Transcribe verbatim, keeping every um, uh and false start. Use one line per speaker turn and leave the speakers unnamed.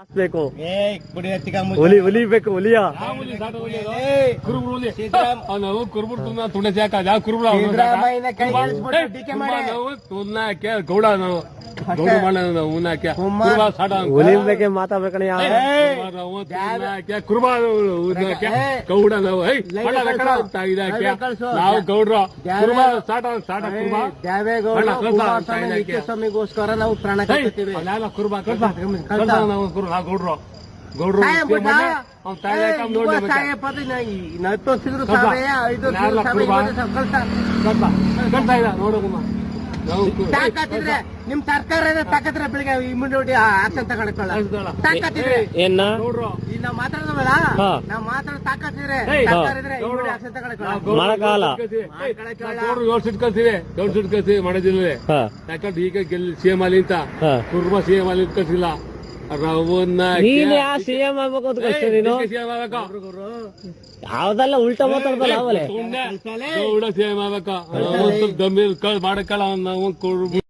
ಬೇಕು
ಏ ಕುಡಿ ಹತ್ತಿಕ
ಹುಲಿ ಹುಲಿ ಬೇಕು ಹುಲಿಯ
ನಾವು ಕುರುಬರು ತುನ್ನ ತುಂಡ ಜಾಕ ಯಾವ ಕುರುಬರ
ಸಿದ್ದರಾಮಯ್ಯನ ಕೈ ಇಳಿಸ್ಬಿಟ್ಟು ಟೀಕೆ ಮಾಡಿ
ನಾವು ತುನ್ನಾಕೆ ಗೌಡ ನಾವು ಗೌಡ ಮಾಡ ನಾವು ಉನ್ನಾಕೆ ಕುರುಬ ಸಾಡ
ಹುಲಿ ಬಗ್ಗೆ ಮಾತಾಡ್ಬೇಕಣ
ನಾವು ತುನ್ನಾಕೆ ಕುರುಬ ಉನ್ನಾಕೆ ಗೌಡ ನಾವು ಹೈ ಮಡ ರೆಕಡ ಅಂತ ಇದಾಕೆ ನಾವು ಗೌಡ್ರ ಕುರುಬ ಸಾಟ ಸಾಟ ಕುರುಬ
ದೇವೇಗೌಡ ಕುಮಾರಸ್ವಾಮಿ ನಿತ್ಯಸ್ವಾಮಿಗೋಸ್ಕರ ನಾವು ಪ್ರಾಣ ಕಳ್ತೀವಿ
ಅಲ್ಲ ಕುರುಬ ನಾವು ಕುರು ನಾವು ಗೌಡ್ರು ಗೌಡ್ರು ಅವ್ನ ತಾಯಿ ನೋಡಿ
ನತ್ತೋಸಿದ್ರು ಸಾವಿರ ಐದು
ಕಳ್ತಾ ಇಲ್ಲ ನೋಡೋಣ ನಾವು
ತಾಕತ್ತಿದ್ರೆ ನಿಮ್ ಸರ್ಕಾರ ತಾಕತ್ತಿದ್ರೆ ಬೆಳಿಗ್ಗೆ ಇಮ್ಯುನಿಟಿ ಆಕ್ಷನ್ ತಗೊಳ್ಕೊಳ್ಳ ತಾಕತ್ತಿದ್ರೆ
ಏನ
ಗೌಡ್ರು
ಈಗ ನಾವ್ ಮಾತಾಡೋದಲ್ಲ ನಾವ್ ಮಾತಾಡೋ ತಾಕತ್ತಿದ್ರೆ ಸರ್ಕಾರ ಇದ್ರೆ ಇಮ್ಯುನಿಟಿ ಆಕ್ಷನ್ ತಗೊಳ್ಕೊಳ್ಳ
ಮಾಡಕಾಲ
ಗೌಡ್ರು ಏಳು ಸಿಟ್ ಕಳ್ಸಿವಿ ಏಳು ಸಿಟ್ ಕಳ್ಸಿವಿ ಮಾಡೋದಿಲ್ವೇ ಯಾಕಂದ್ರೆ ಈಗ ಗೆಲ್ಲಿ ಸಿಎಂ ಅಲ್ಲಿ ಅಂತ ಕುರ್ಮ ಸಿಎಂ ಅಲ್ಲಿ ಕಳ್ಸಿಲ್ಲ ರವನ್ನ
ನೀನ್ ಯಾ ಸಿಎಂ ಆಗ್ಬೇಕು ಅಂತ ಕಷ್ಟ ನೀನು
ಸಿಎಂ ಆಗ್ಬೇಕು
ಯಾವ್ದಲ್ಲ ಉಲ್ಟಾ ಮಾತಾಡ್ದಲ್ಲ ಅವಲೇ
ಗೌಡ ಸಿಎಂ ಆಗ್ಬೇಕು ಗಂಭೀರ ಮಾಡಕ್ಕಲ್ಲ ನಾವು